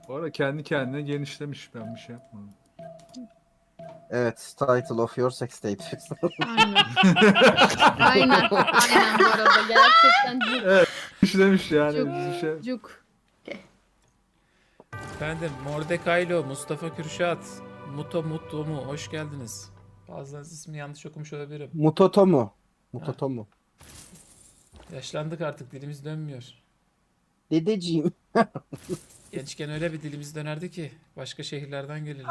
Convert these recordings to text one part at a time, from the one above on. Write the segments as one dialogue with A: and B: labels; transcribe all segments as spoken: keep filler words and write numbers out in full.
A: Bu arada kendi kendine genişlemiş. Ben bir şey yapmadım.
B: Evet, title of your sex tape.
C: Aynen. Aynen. Aynen bu arada. Gerçekten cuk.
A: Evet. Genişlemiş yani.
C: Cuk.
A: Biz bir şey...
C: Cuk.
D: Efendim Mordekaylo, Mustafa Kürşat, Muto Mutlu mu? Hoş geldiniz. Bazılarınız ismini yanlış okumuş olabilirim.
B: Mutotomu. Mutotomu.
D: Yaşlandık artık, dilimiz dönmüyor.
B: Dedeciğim.
D: Gençken öyle bir dilimiz dönerdi ki başka şehirlerden gelirlerdi.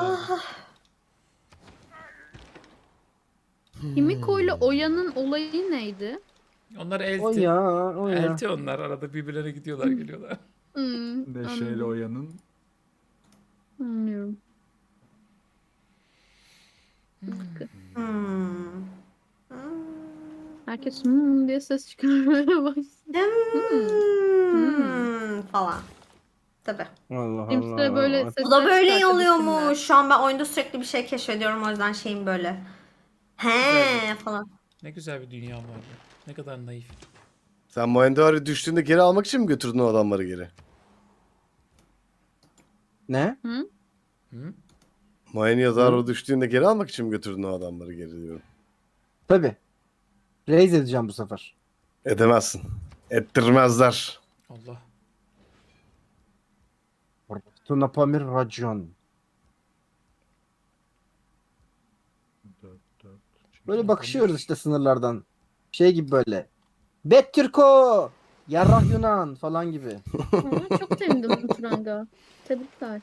C: Himiko ile Oya'nın olayı neydi?
D: Onlar
B: O
D: elti.
B: ya, o ya.
D: Elti onlar, arada birbirlerine gidiyorlar geliyorlar.
C: Hmm,
A: Neşeyle
C: anladım.
A: Oya'nın.
C: Bilmiyorum.
E: Hmm.
C: Herkes hmm diye ses çıkarmaya başladı.
E: Hmm. Falan. Tabii.
B: Allah
C: Kimse
B: Allah.
C: böyle ses
E: Bu da böyle oluyormuş. Şu an ben oyunda sürekli bir şey keşfediyorum, o yüzden şeyim böyle. He falan.
D: Ne güzel bir dünya vardı. Ne kadar naif.
F: Sen Mohenjo-daro düştüğünde geri almak için mi götürdün o adamları geri?
B: Ne?
D: Hı?
F: Mohenjo-daro düştüğünde geri almak için mi götürdün o adamları geri diyorum.
B: Tabii. Raise edeceğim bu sefer.
F: Edemezsin. Ettirmezler.
D: Allah.
B: Tunapamir racon.
A: Dört, dört.
B: Böyle bakışıyoruz işte sınırlardan. Şey gibi böyle. Bet Türko! Yarrah Yunan falan gibi.
C: Aa, çok sevindim Turanga. Tebrikler.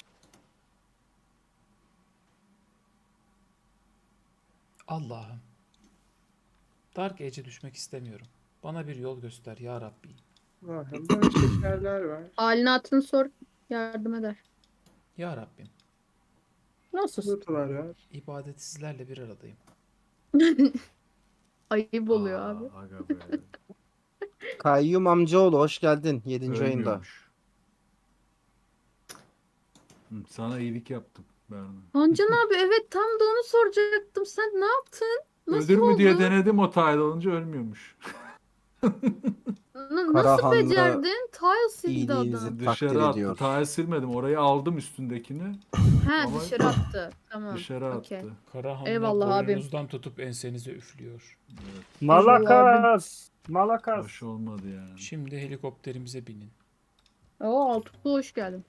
D: Allah'ım. Dark Age'e düşmek istemiyorum. Bana bir yol göster ya Rabbi.
G: Böyle şekerler var.
C: Halini hatırını sor. Yardım eder.
D: Ya Rabbim.
C: Nasılsın?
G: Kutular var.
D: İbadetsizlerle bir aradayım.
C: Ayıp oluyor
A: Aa,
C: abi.
A: Aga be.
B: Kayyum amcaoğlu hoş geldin yedinci ayında.
A: Ölmüyormuş. Hı, sana iyilik yaptım Berna.
C: Hancan abi evet tam da onu soracaktım. Sen ne yaptın? Nasıl
A: Ölür mü
C: oldu?
A: diye denedim, o tile olunca ölmüyormuş.
C: N- nasıl
B: Karahanlı
C: becerdin? Tile sildi
B: iyiliğinizi
C: adam.
B: takdir
A: Dışarı attı.
B: ediyor.
A: Tile silmedim. Orayı aldım üstündekini.
C: He
A: Ama-
C: dışarı attı. Tamam.
A: Dışarı
C: okey.
A: attı.
D: Karahanlı
C: Eyvallah abim.
D: boynunuzdan tutup ensenize üflüyor.
B: Malakas! Malakas!
A: Hoş olmadı yani.
D: Şimdi helikopterimize binin.
C: Oo Altuklu hoş geldin.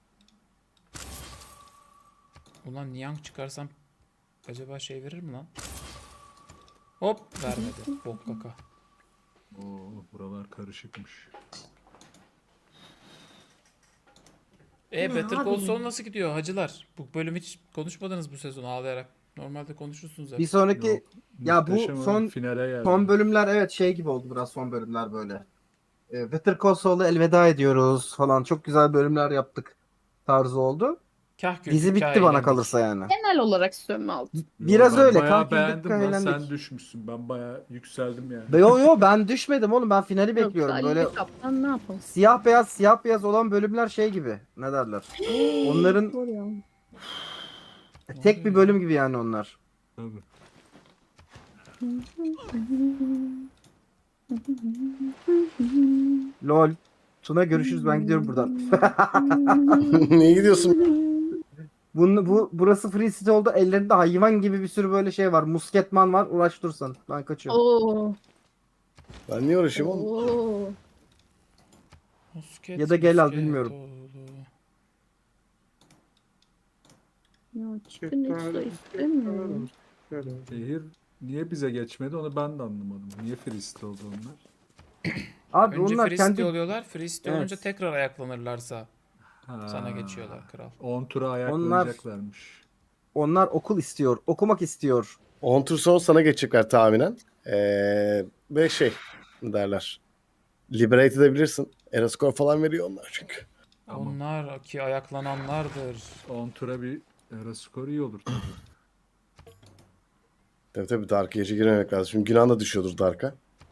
D: Ulan Niang çıkarsam acaba şey verir mi lan? Hop vermedi. Bok kaka.
A: Oo, buralar karışıkmış.
D: E
E: Ne
D: Better
E: abi?
D: Call Saul nasıl gidiyor hacılar? Bu bölüm hiç konuşmadınız bu sezon ağlayarak. Normalde konuşursunuz hep.
B: Bir sonraki
A: Yok,
B: ya bu
A: muhteşem
B: son
A: ama finale geldi.
B: son bölümler evet şey gibi oldu biraz son bölümler böyle. E, Better Call Saul'a elveda ediyoruz falan. Çok güzel bölümler yaptık tarzı oldu.
D: Kah güldük,
B: Dizi
D: kah
B: bitti bana
D: eğlendik.
B: kalırsa yani.
C: Genel olarak sönme aldı.
A: Yo,
B: Biraz
A: ben
B: öyle.
A: Bayağı
B: Kanki
A: beğendim lan.
B: eğlendik.
A: Sen düşmüşsün. Ben bayağı yükseldim yani.
B: Be- Yo yo ben düşmedim oğlum, ben finali
C: Yok,
B: bekliyorum.
C: Ali
B: Böyle
C: Kaptan ne yapalım?
B: siyah beyaz siyah beyaz olan bölümler şey gibi. Ne derler? Onların
C: Zor ya.
B: tek bir bölüm gibi yani onlar.
A: Tabii.
B: Lol. Tuna görüşürüz, ben gidiyorum buradan.
F: Niye gidiyorsun?
B: Bunu, bu burası free city oldu. Ellerinde hayvan gibi bir sürü böyle şey var. Musketman var. Uğraş dursan. Ben kaçıyorum.
C: Oo.
F: Ben niye uğraşayım oğlum?
C: Oo.
D: Musket,
B: Ya da gel al,
D: musket
B: bilmiyorum.
D: oğlu.
C: Ya çıkın yoksa istemiyorum.
G: Şöyle.
A: Şehir niye bize geçmedi onu ben de anlamadım. Niye freestyle oldu onlar?
B: Abi
D: Önce
B: onlar
D: free
B: kendi...
D: city oluyorlar. Free city
B: Evet.
D: olunca tekrar ayaklanırlarsa
A: Ha,
D: sana geçiyorlar kral.
A: on tura ayak
B: Onlar-
A: oynayacaklarmış.
B: Onlar okul istiyor. Okumak istiyor.
F: on tur sonra sana geçecekler tahminen. Ee, ve şey ne derler. Liberate edebilirsin. Erascore falan veriyor onlar çünkü.
A: Tamam.
D: Onlar ki ayaklananlardır.
A: on tura bir era skoru iyi olur tabii.
F: Tabii tabii Dark'a gece girmemek lazım. Çünkü günah da düşüyordur Dark'a.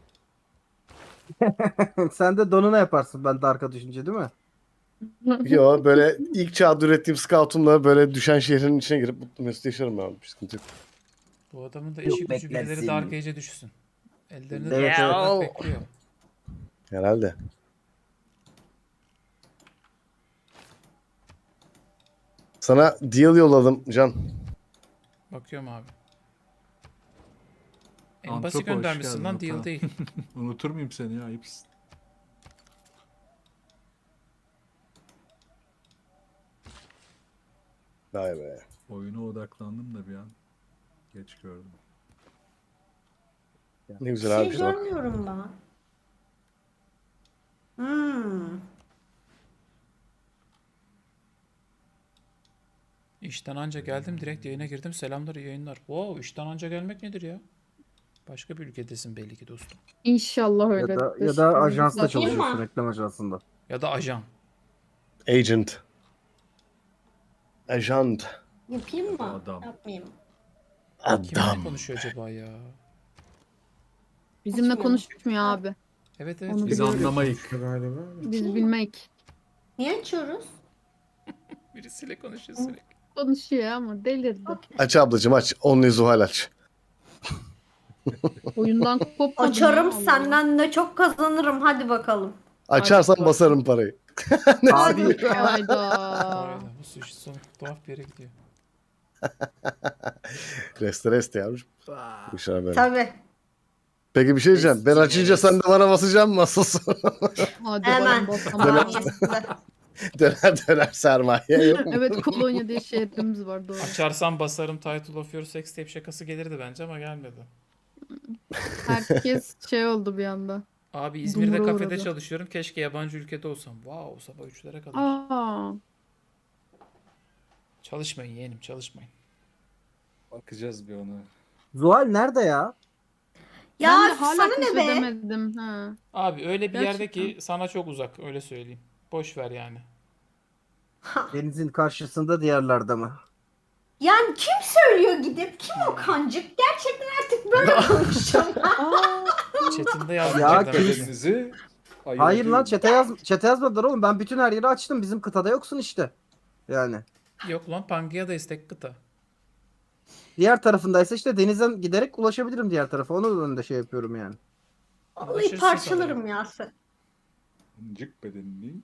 B: Sen de donuna yaparsın ben Dark'a düşünce, değil mi?
F: Yo böyle ilk çağda ürettiğim scoutumla böyle düşen şehrin içine girip mutlu mesut yaşarım ben. Bir sıkıntı yok.
D: Bu adamın da
B: Yok,
D: işi gücü birileri
B: beklersin.
D: Dark Age'e düşsün. Ellerinde
B: Evet,
D: evet,
B: evet.
D: bekliyor.
F: Herhalde. Sana deal yolladım Can.
D: Bakıyorum abi. En
A: Antropo,
D: basit
A: hoş
D: göndermişsin
A: geldin
D: lan,
A: Ata.
D: deal değil.
A: Unutur muyum seni ya? Ayıpsın.
F: Vay be.
A: Oyuna odaklandım da bir an. Geç gördüm.
F: Ne
E: Bir
F: güzel abi.
E: şey
F: işte bak.
E: görmüyorum ben. Hmm.
D: İşten anca geldim, direkt yayına girdim. Selamlar, iyi yayınlar. Wow, işten anca gelmek nedir ya? Başka bir ülkedesin belli ki dostum.
C: İnşallah
B: Ya
C: öyledir.
B: da ya da ajansta
E: Bakayım
B: çalışıyorsun,
E: mı?
B: reklam ajansında.
D: Ya da ajan.
F: Agent. Agent.
E: Yapayım mı?
A: Adam.
E: Yapmayayım.
D: Kiminle
F: Adam.
D: konuşuyor acaba ya?
C: Bizimle
E: Açmıyorum.
C: konuşmuyor abi.
D: Evet evet.
C: Onu
A: Biz
C: biliyorum.
A: anlamayık.
G: Galiba.
C: Biz bilmek.
E: Niye açıyoruz?
D: Birisiyle konuşuyor sürekli.
C: Konuşuyor ama delirdi.
F: Aç ablacığım aç. Onlu Zuhal aç.
C: Oyundan kopmadım.
E: Açarım,
C: ya, Allah.
E: senden de çok kazanırım. Hadi bakalım.
F: Açarsan
C: Hadi
F: basarım parayı.
B: Abi
C: Hayda.
D: Hayda, bu sushi sonu tuhaf bir yere gidiyor.
F: Reste reste yavrum. Bu işler böyle.
E: Tabii.
F: Peki bir şey diyeceğim. Ben açınca sen de bana basacaksın mı asılsın?
C: Hadi
E: Hemen.
C: bakalım bakalım.
E: Saniyesinde.
F: döner döner sermaye yok mu?
C: Evet, Kolonya diye şehrimiz var, doğru.
D: Açarsam basarım Title of Your Sex Tape şakası gelirdi bence ama gelmedi.
C: Herkes şey oldu bir anda.
D: Abi İzmir'de
C: Dumura
D: kafede
C: uğradı.
D: çalışıyorum. Keşke yabancı ülkede olsam. Wow, sabah üçlere kadar.
C: Aa,
D: Çalışmayın yeğenim, çalışmayın.
A: Bakacağız bir ona.
B: Zuhal nerede ya?
E: Ya
C: ben de hala
E: sana ne be?
C: keşfedemedim. Ha.
D: Abi öyle bir yerde
C: Gerçekten.
D: ki sana çok uzak, öyle söyleyeyim. Boş ver yani.
B: Denizin karşısında diğerlerde mi?
E: Yani kim söylüyor gidip? Kim o kancık? Gerçekten artık böyle konuşacağım.
C: Aa,
D: Chat'inde yazdım.
B: Ya
D: Erdem
B: kim-
D: dedi.
A: Kendinizi ayırt
B: Hayır
A: edin.
B: lan çete yaz çete yazmadılar oğlum. Ben bütün her yeri açtım. Bizim kıtada yoksun işte. Yani.
D: Yok lan, Pangea istek kıta.
B: Diğer tarafındaysa işte denizden giderek ulaşabilirim diğer tarafa. Onun önünde şey yapıyorum yani.
E: Vallahi
D: Ulaşırsın
E: parçalarım ya sen.
A: İncik bedenini.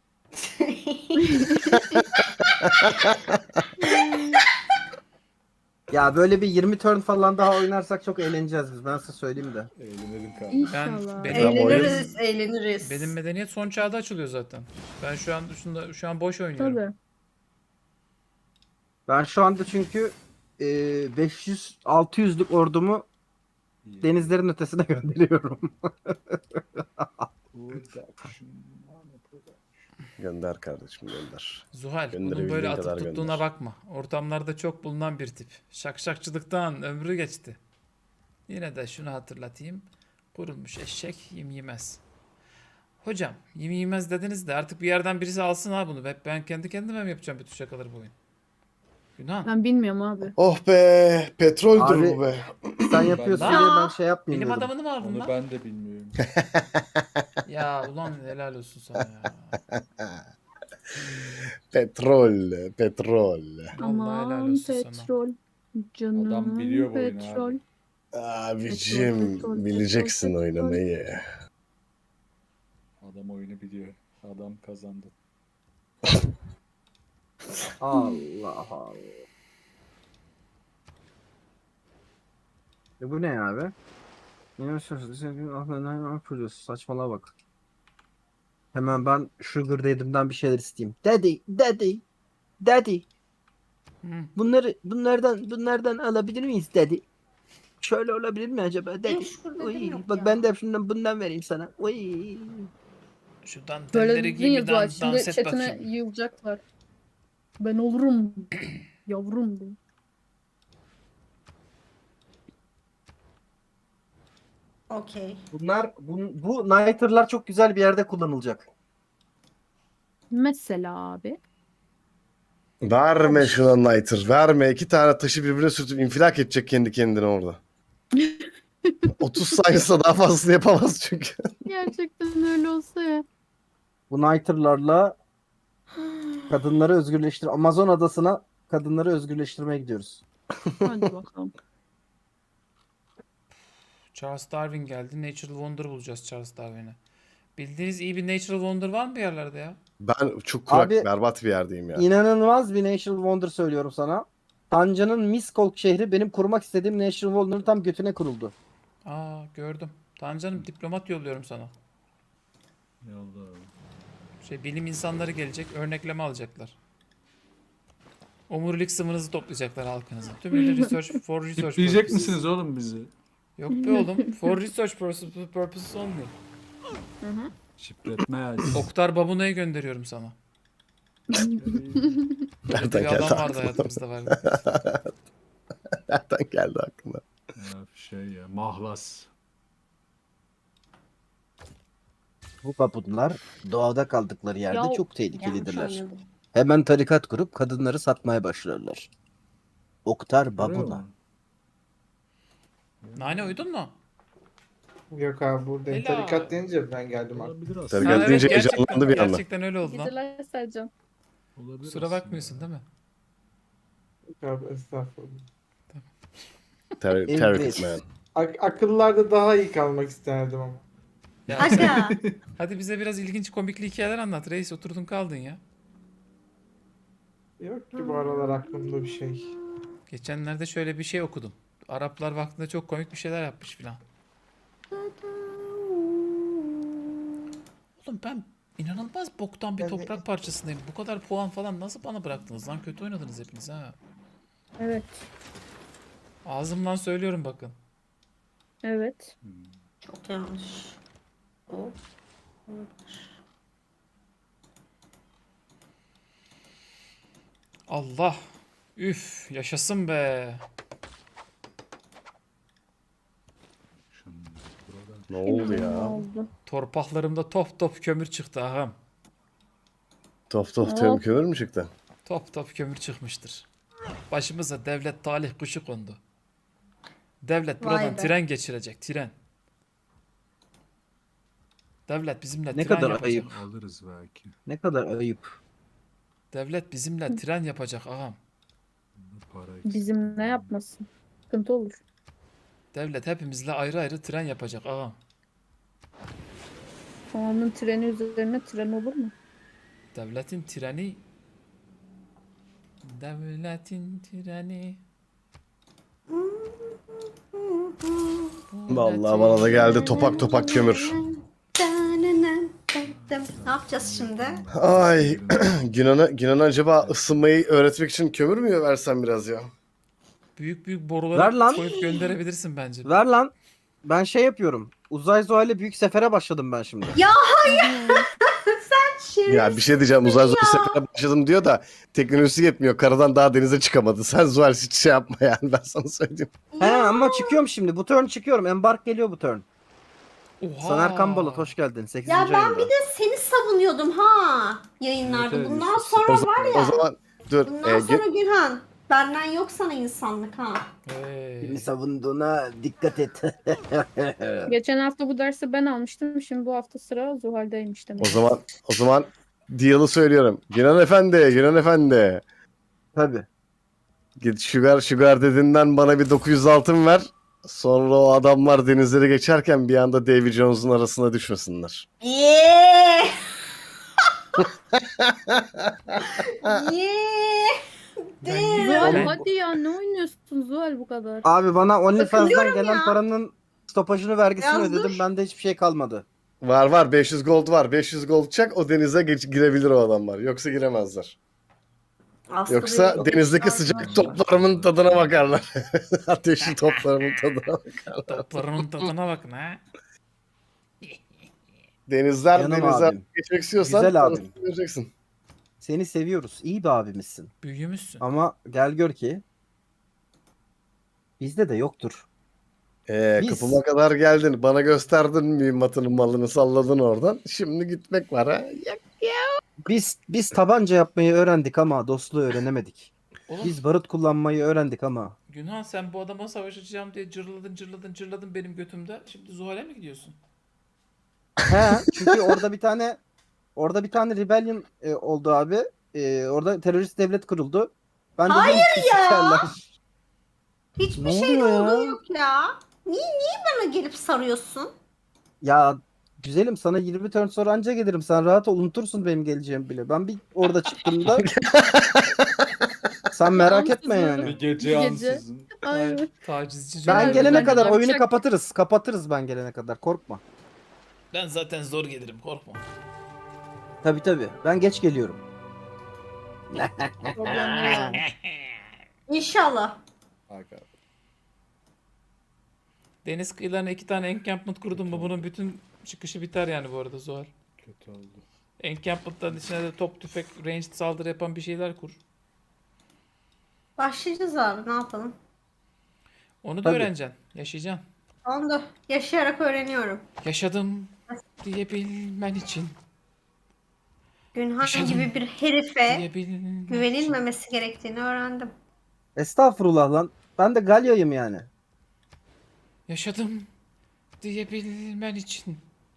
B: Ya böyle bir yirmi turn falan daha oynarsak çok eğleneceğiz biz. Ben size söyleyeyim de.
A: Eğlenelim kardeşim.
C: İnşallah.
D: benim-
E: Eğleniriz, eğleniriz.
D: Benim medeniyet son çağda açılıyor zaten. Ben şu an şunda, şu an boş oynuyorum.
C: Tabii.
B: Ben şu anda çünkü e, beş yüz altı yüzlük ordumu denizlerin ötesine gönderiyorum.
F: Gönder kardeşim gönder.
D: Zuhal, bunun
F: Gönderebildiğin
D: böyle
F: kadar
D: atıp tuttuğuna
F: gönder.
D: bakma. Ortamlarda çok bulunan bir tip. Şakşakçılıktan ömrü geçti. Yine de şunu hatırlatayım. Kurulmuş eşek yem yemez. Hocam, yem yemez dediniz de artık bir yerden birisi alsın ha bunu. Hep ben kendi kendime mi yapacağım bütün şakaları bu oyun? Günah.
C: Ben bilmiyorum abi.
F: Oh be petroldür
B: Abi-
F: bu be.
B: Sen yapıyorsun
D: Ben-
B: diye ben şey yapmayayım
D: Benim
B: dedim.
D: adamını mı aldın
A: Onu
D: lan?
A: ben de bilmiyorum.
D: Ya ulan helal olsun sana ya.
F: Petrol, petrol.
D: Vallahi helal
C: Aman
D: olsun sana.
C: petrol. Canım
A: Adam biliyor bu oyunu
C: petrol.
A: abi.
F: Abicim
C: Petrol, petrol,
F: bileceksin
C: petrol.
F: oynamayı.
A: Adam oyunu biliyor. Adam kazandı.
B: Allah Allah. E bu ne abi? Ne saçmalığa bak. Hemen ben Sugar Daddy'mden bir şeyler isteyeyim. Daddy, daddy, daddy.
D: Hı.
B: Bunları bunlardan bunlardan alabilir miyiz daddy? Şöyle olabilir mi acaba daddy?
E: Benim Sugar Daddy'm
B: Uy,
E: yok
B: bak
E: ya.
B: ben de şundan bundan vereyim sana. Uy.
D: Şu
C: Böyle
D: dantelleri
C: dedin
D: giy
C: ya
D: bir
C: Zuhal,
D: dan,
C: şimdi
D: dans et
C: chatine
D: bakayım.
C: yığılacaklar. Ben olurum. Yavrum bu.
E: Okey.
B: Bunlar bu, bu Nighter'lar çok güzel bir yerde kullanılacak.
C: Mesela abi.
F: Verme şuna Niter. Verme. İki tane taşı birbirine sürtüp infilak edecek kendi kendine orada. otuz saniyesinde daha fazlasını yapamaz çünkü.
C: Gerçekten öyle olsa ya.
B: Bu Nighter'larla kadınları özgürleştir. Amazon adasına kadınları özgürleştirmeye gidiyoruz.
C: Hadi bakalım.
D: Charles Darwin geldi. Natural Wonder bulacağız Charles Darwin'e. Bildiğiniz iyi bir Natural Wonder var mı bir yerlerde ya?
F: Ben çok kurak,
B: Abi-
F: berbat bir yerdeyim ya.
B: İnanılmaz bir National Wonder söylüyorum sana. Tanca'nın Miskolc şehri benim kurmak istediğim National Wonder'ın tam götüne kuruldu.
D: Aa gördüm. Tancanım diplomat yolluyorum sana.
A: Yolla.
D: Şey bilim insanları gelecek, örnekleme alacaklar. Omurilik sıvınızı toplayacaklar halkınızın. Tümüyle research for research
A: Diyecek
D: purposes.
A: misiniz oğlum bizi?
D: Yok be oğlum. For research purposes purposes only.
A: Şifretme yani.
D: Oktar Babuna'yı gönderiyorum sana.
F: Nereden
D: Bir
F: geldi
D: adam vardı
F: aklına?
D: hayatımızda var.
F: Nereden geldi aklına?
A: Ya, şey ya mahlas.
B: Bu babunlar doğada kaldıkları yerde
C: Ya,
B: çok tehlikelidirler.
C: yanlış anladım.
B: Hemen tarikat kurup kadınları satmaya başlarlar. Oktar
A: Görüyor
B: babuna.
A: musun?
D: Nane uydun mu?
G: Yok abi buradayım.
D: Helal.
G: Tarikat deyince ben geldim abi.
A: Olabilir aslında.
F: Tarikat
D: Ha, evet,
F: deyince
D: gerçekten,
F: heyecanlandı bir anda.
D: gerçekten öyle oldu lan.
C: Gidiler Sercan.
A: Olabilir
D: Kusura
A: aslında.
D: bakmıyorsun değil mi?
G: Yok abi estağfurullah.
F: Ter
B: Evet.
F: Terrific man.
G: Ak- akıllarda daha iyi kalmak isterdim ama.
D: Ya,
E: Aga.
D: hadi bize biraz ilginç komikli hikayeler anlat reis. Oturdun kaldın ya.
G: Yok ki bu aralar aklımda bir şey.
D: Geçenlerde şöyle bir şey okudum. Araplar vaktinde çok komik bir şeyler yapmış filan. Oğlum ben inanılmaz boktan bir
G: Yani-
D: toprak parçasındayım. Bu kadar puan falan nasıl bana bıraktınız lan? Kötü oynadınız hepiniz ha.
C: Evet.
D: Ağzımdan söylüyorum bakın.
C: Evet.
E: Çok yanlış. Hop.
D: Allah. Üf, yaşasın be.
A: Şimdi burada
F: Ne oldu
C: Ne
F: ya?
C: oldu?
D: Torpaklarımda top top kömür çıktı ağam.
F: Top top
C: Hop.
F: tüm kömür mü çıktı?
D: Top top kömür çıkmıştır. Başımıza devlet talih kuşu kondu. Devlet
E: Vay
D: buradan
E: be.
D: tren geçirecek, tren. Devlet bizimle
B: Ne
D: tren
B: kadar
D: yapacak.
B: ayıp.
A: alırız belki.
B: Ne kadar ayıp.
D: Devlet bizimle tren yapacak ağam.
A: Bunda para eksik.
C: Bizim ne yapmasın? Sıkıntı olur.
D: Devlet hepimizle ayrı ayrı tren yapacak ağam.
C: Onun treni üzerine tren olur mu?
D: Devletin treni Devletin treni
F: Vallahi bana da geldi topak topak kömür.
E: Ne yapacağız şimdi?
F: Ay Yunan'a Yunan'a acaba ısınmayı öğretmek için kömür mü versem biraz ya?
D: Büyük büyük
B: Ver
D: boruları
B: lan.
D: koyup gönderebilirsin bence.
B: Ver lan. Ben şey yapıyorum. Uzay Zuhal'e büyük sefere başladım ben şimdi.
E: Ya hayır. Sen şerefsiz.
F: Ya bir şey diyeceğim uzay zor sefere başladım diyor da teknolojisi yetmiyor. Karadan daha denize çıkamadı. Sen Zuhal hiç şey yapma yani ben sana söyleyeyim.
B: He ama çıkıyorum şimdi. Bu turn çıkıyorum. Embark geliyor bu turn.
D: Oha.
B: Soner Kambalat hoş geldin. sekizinci
E: Ya ben
B: ayında.
E: bir de seni savunuyordum ha yayınlarda.
A: Evet, evet,
E: Bundan
A: işte-
E: sonra
F: O zaman,
E: var ya.
F: o zaman dur.
E: Bundan
F: e,
E: sonra
F: ge-
E: Gülhan. Benden yok sana insanlık ha.
D: Hey.
B: Beni savunduğuna dikkat et.
C: Geçen hafta bu dersi ben almıştım. Şimdi bu hafta sıra Zuhal'deymiş demek.
F: o zaman o zaman deal'ı söylüyorum. Yunan efendi, Yunan efendi.
B: Tabii.
F: Git Sugar Sugar dediğinden bana bir dokuz yüz altın ver. Sonra o adamlar denizleri geçerken bir anda Davy Jones'un arasına düşmesinler.
E: Yeee. Yeee.
D: Ben-
C: Zuhal
D: Ben-
C: hadi ya ne oynuyorsun Zuhal bu kadar?
B: Abi bana OnlyFans'dan
E: Takılıyorum
B: gelen
E: ya.
B: paranın stopajını vergisini
E: Yazdır.
B: ödedim. Bende hiçbir şey kalmadı.
F: Var var beş yüz gold var. beş yüz gold çak o denize geç, girebilir o adamlar. Yoksa giremezler.
E: Aslı
F: Yoksa
E: bir-
F: denizdeki sıcak toplarımın tadına bakarlar. Ateşli toplarımın tadına bakarlar.
D: Toplarımın tadına bakın ha.
F: Denizler
B: Canım
F: denizler
B: abim.
F: geçmek istiyorsan
B: Güzel abim.
F: parasını vereceksin.
B: Seni seviyoruz. İyi bir abimizsin.
D: Büyümüşsün.
B: Ama gel gör ki bizde de yoktur.
F: Ee,
B: Biz-
F: kapıma kadar geldin. Bana gösterdin mühimmatının malını salladın oradan. Şimdi gitmek var ha.
B: Biz biz tabanca yapmayı öğrendik ama dostluğu öğrenemedik.
D: Oğlum
B: Biz barut kullanmayı öğrendik ama.
D: Günhan sen bu adama savaşacağım diye cırladın cırladın cırladın benim götümde. Şimdi Zuhal'e mi gidiyorsun?
B: He, çünkü orada bir tane orada bir tane rebellion e, oldu abi. E, orada terörist devlet kuruldu. Ben de
E: Hayır
B: dedim ki,
E: ya!
B: "Sikerler."
E: Hiçbir
B: Ne
E: şey
B: oluyor ya?
E: olduğu yok ya. Niye niye bana gelip sarıyorsun?
B: Ya Güzelim, sana yirmi turn sonra anca gelirim. Sen rahat ol, unutursun benim geleceğimi bile. Ben bir orada çıktığımda sen merak etme
C: Ansızın.
B: yani.
A: Bir gece
C: Bir gece.
A: ansızın.
C: Aynen.
D: Tacizci
B: Ben
D: cümleler.
B: gelene
C: Ben
B: kadar
C: yapacak-
B: oyunu kapatırız. Kapatırız ben gelene kadar. Korkma.
D: Ben zaten zor gelirim, korkma.
B: Tabii tabii. Ben geç geliyorum.
C: Problem yok.
E: İnşallah.
A: Aga.
D: Deniz kıyılarına iki tane encampment kurdum mu bunun bütün çıkışı biter yani bu arada Zuhal.
A: Kötü oldu.
D: Encampment'ların içine de top tüfek ranged saldırı yapan bir şeyler kur.
E: Başlayacağız abi, ne yapalım?
D: Onu da
B: Tabii.
D: öğreneceksin. Yaşayacaksın.
E: Onu da yaşayarak öğreniyorum.
D: Yaşadım diyebilmen için.
E: Günhan
D: Yaşadım.
E: gibi bir herife
D: Diyebilmen için.
E: güvenilmemesi gerektiğini öğrendim.
B: Estağfurullah lan. Ben de Galya'yım yani.
D: Yaşadım diyebilmen için.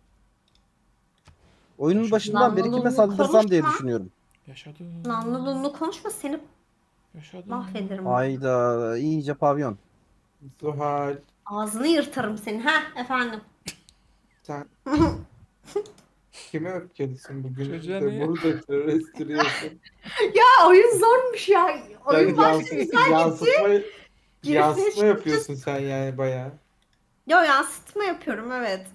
B: Oyunun başından beri kime
E: Namluluğunu
B: saldırsam diye
E: konuşma.
B: düşünüyorum.
D: Yaşadım.
E: Namluluğunu konuşma, seni
D: Yaşadım.
E: mahvederim.
B: Ayda iyice pavyon.
G: Zuhal
E: Ağzını yırtarım senin. Ha efendim.
G: sen kime öfkelisin bugün?
D: Çocuğa
G: İşte
D: niye?
G: burada restiriyorsun.
E: Ya oyun zormuş ya. Oyun
G: Sen
E: başta
G: yans
E: güzel.
G: yansıtma, yansıtma
E: Girişte-
G: yapıyorsun sen yani bayağı.
E: Yo, yansıtma yapıyorum, evet.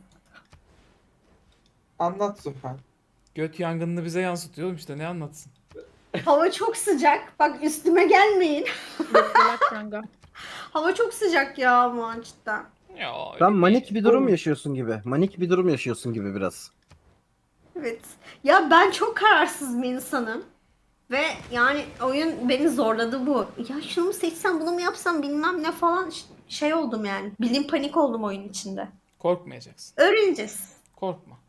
G: Anlat Zuhal.
D: Göt yangınını bize yansıtıyor oğlum işte ne anlatsın.
E: Hava çok sıcak. Bak üstüme gelmeyin.
C: Bekleler kanka.
E: Hava çok sıcak ya ama cidden.
D: Ya, öyle
B: Sen
D: değil.
B: manik bir durum yaşıyorsun gibi. Manik bir durum yaşıyorsun gibi biraz.
E: Evet. Ya ben çok kararsız bir insanım. Ve yani oyun beni zorladı bu. Ya şunu mu seçsem, bunu mu yapsam, bilmem ne falan ş- şey oldum yani. Bilim panik oldum oyun içinde.
D: Korkmayacaksın.
E: Öğreneceğiz.
D: Korkma.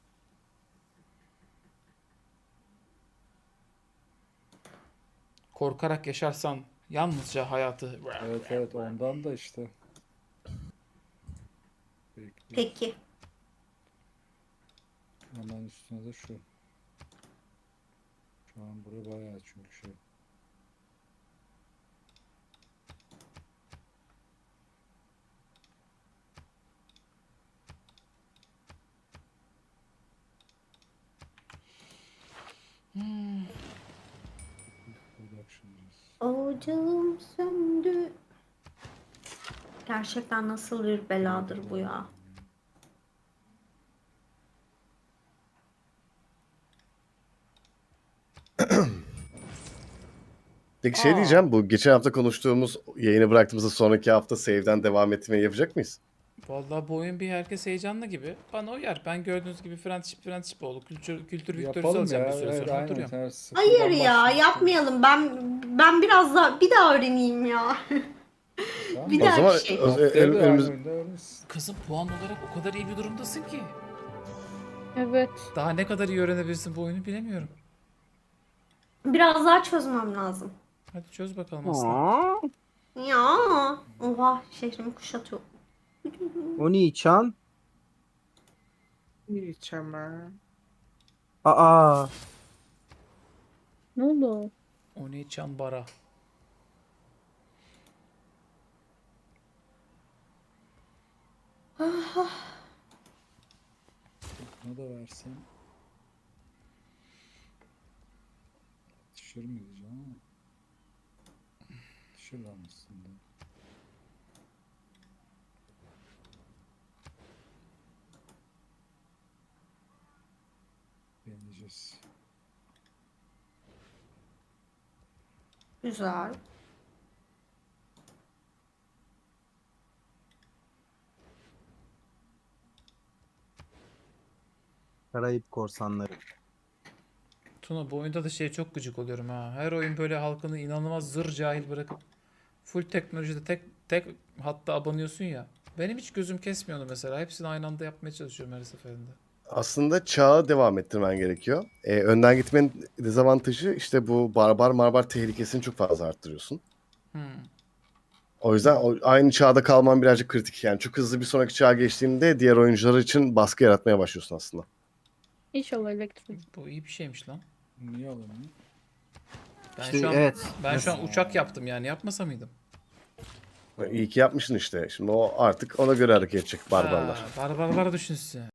D: Korkarak yaşarsan yalnızca hayatı...
A: Evet evet ondan da işte. Bekle.
E: Peki.
A: Hemen üstüne de şu. Şu an bura bayağı çünkü şey. Productions.
E: Ocağım söndü. Gerçekten nasıl bir beladır bu ya.
F: Peki şey
D: Aa.
F: diyeceğim, bu geçen hafta konuştuğumuz yayını bıraktığımızda sonraki hafta save'den devam etmeyi yapacak mıyız?
D: Vallahi bu oyun bir herkes heyecanlı gibi. Bana uyar. Ben gördüğünüz gibi friendship friendship oldu. Kültür, kültür Victor'u
A: Yapalım
D: alacağım
A: ya.
D: bir süre
A: Evet,
D: sonra.
A: aynen.
D: Oturuyorum.
A: Her sıfırdan
E: Hayır ya,
A: başlayalım.
E: yapmayalım. Ben ben biraz daha bir daha öğreneyim ya.
A: Tamam.
E: Bir
F: O
E: daha
F: zaman
E: bir şey.
F: o-
A: Haftaya
F: ön-
A: da
F: önümüz
A: aynı oyunda öğreniriz.
D: Kızım puan olarak o kadar iyi bir durumdasın ki.
C: Evet.
D: Daha ne kadar iyi öğrenebilirsin bu oyunu bilemiyorum.
E: Biraz daha çözmem lazım.
D: Hadi çöz bakalım aslan.
B: Aa,
E: Ya. Oha, şehrimi kuşatıyor.
B: Oni-chan.
G: Hiç ama.
B: Aa,
C: Ne oldu?
D: Oni Çambara.
A: Buna da versem. Düşür mü diyeceğim ama. Düşür lan aslında. Deneyeceğiz.
E: Güzel.
B: Karayip Korsanları.
D: Tuna bu oyunda da şey çok gıcık oluyorum ha. Her oyun böyle halkını inanılmaz zır cahil bırakıp full teknolojide tek tek hatta abanıyorsun ya. Benim hiç gözüm kesmiyor onu mesela. Hepsini aynı anda yapmaya çalışıyorum her seferinde.
F: aslında çağı devam ettirmen gerekiyor. Ee, önden gitmenin dezavantajı işte bu barbar marbar tehlikesini çok fazla arttırıyorsun.
D: Hmm.
F: O yüzden o, aynı çağda kalman birazcık kritik. Yani çok hızlı bir sonraki çağa geçtiğinde diğer oyuncular için baskı yaratmaya başlıyorsun aslında.
C: İnşallah elektrik.
D: Bu iyi bir şeymiş lan.
A: Niye alamıyor?
D: Ben
B: İşte
D: şu an
B: evet.
D: ben şu an uçak yaptım yani yapmasa mıydım?
F: İyi ki yapmışsın işte. Şimdi o artık ona göre hareket edecek barbarlar.
D: Ha, barbarlar düşünsün.